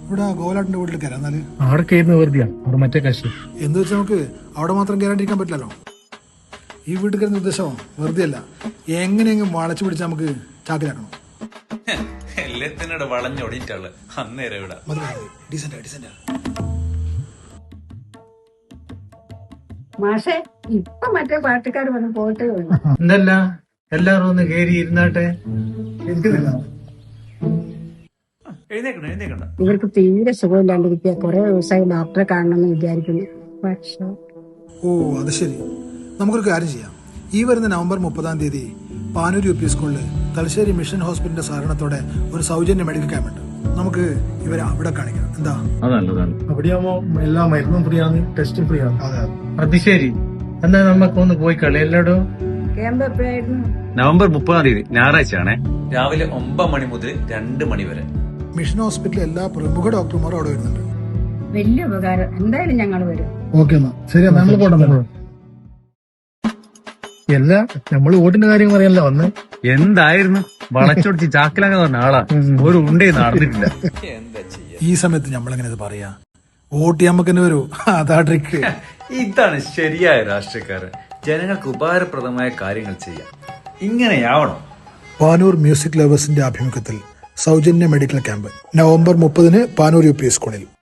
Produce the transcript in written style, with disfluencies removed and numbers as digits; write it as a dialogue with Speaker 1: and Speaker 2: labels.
Speaker 1: ഇവിടെ ഗോലാട്ടിന്റെ വീട്ടിൽ കയറാം. എന്നാല്
Speaker 2: അവിടെ കയറുന്ന വെറുതെയാ, അവിടെ മറ്റേ കാശ്.
Speaker 1: എന്ന് വെച്ചാൽ നമുക്ക് അവിടെ മാത്രം കയറാണ്ടിരിക്കാൻ പറ്റില്ലല്ലോ. ഈ വീട്ടിൽ കയറുന്ന ഉദ്ദേശം വെറുതെ അല്ല, എങ്ങനെയെങ്കിലും വളച്ചു പിടിച്ച് നമുക്ക് ചാക്കിലാക്കണം.
Speaker 3: എല്ലാത്തിനോട് വളഞ്ഞൊടിയിട്ടുള്ള അന്നേരം ഇവിടെ
Speaker 1: ഡീസന്റ്.
Speaker 4: മാഷെ ഇപ്പൊ മറ്റേ പാട്ടുകാർ വന്ന് പോയിട്ടേ ഉള്ളു.
Speaker 2: എന്തല്ല എല്ലാരും ഒന്ന് കേറി ഇരുന്നാട്ടെ.
Speaker 3: എഴുന്നേക്കണ്ട.
Speaker 4: ഇവർക്ക് തീരെ സുഖമില്ലാണ്ടിരിക്കുക. കുറെ ദിവസമായി ഡോക്ടറെ കാണണമെന്ന് വിചാരിക്കുന്നു. പക്ഷെ
Speaker 1: ഓ അത് ശരി. നമുക്കൊരു കാര്യം ചെയ്യാം. ഈ വരുന്ന നവംബർ 30 പാനൂർ UP സ്കൂളിൽ തലശ്ശേരി മിഷൻ ഹോസ്പിറ്റലിന്റെ സഹകരണത്തോടെ ഒരു സൗജന്യ മെഡിക്കൽ ക്യാമ്പ് ഉണ്ട്. നമുക്ക് ഇവരെ അവിടെ കാണിക്കണം. എന്താ?
Speaker 2: അവിടെയാവുമ്പോ എല്ലാ മരുന്നും ഫ്രീ ആണ്, ടെസ്റ്റും ഫ്രീ ആണ്.
Speaker 1: അതെ.
Speaker 2: അത് ശരി. എന്നാ നമുക്കൊന്ന് പോയി കളി എല്ലാടോ.
Speaker 4: ക്യാമ്പ് എപ്പോഴായിരുന്നു?
Speaker 5: നവംബർ 30 ഞായറാഴ്ചയാണേ.
Speaker 3: രാവിലെ 9 മണി മുതൽ 2 മണി വരെ.
Speaker 1: മിഷൻ ഹോസ്പിറ്റലിലെ എല്ലാ പ്രമുഖ ഡോക്ടർമാരും അവിടെ വരുന്നുണ്ട്.
Speaker 4: വലിയ ഉപകാരം. എന്തായാലും ഞങ്ങൾ വരും.
Speaker 1: ഓക്കെ എന്നാ ശരി, നമ്മൾ പോട്ടെ.
Speaker 2: എല്ലാ നമ്മള് വോട്ടിന്റെ കാര്യം പറയാനല്ലോ വന്ന്.
Speaker 5: എന്തായിരുന്നു വളച്ചൊടിച്ച് ചാക്കിലാകാൻ പറഞ്ഞ ആളാ. ഒരു ഉണ്ടേ നടന്നിട്ടില്ല.
Speaker 3: എന്താ ചെയ്യാ?
Speaker 1: ഈ സമയത്ത് നമ്മളെങ്ങനെ ഇത് പറയാ? വോട്ട് നമുക്ക് തന്നെ വരൂ. അതാ ട്രിക്ക്.
Speaker 3: ഇതാണ് ശരിയായ രാഷ്ട്രീയക്കാരൻ. ജനങ്ങൾക്ക് ഉപകാരപ്രദമായ കാര്യങ്ങൾ ചെയ്യാം. ഇങ്ങനെയാവണം.
Speaker 1: പാനൂർ മ്യൂസിക് ലവേഴ്സിന്റെ ആഭിമുഖ്യത്തിൽ സൗജന്യ medical camp November 30 Panoor UP സ്കൂളിൽ.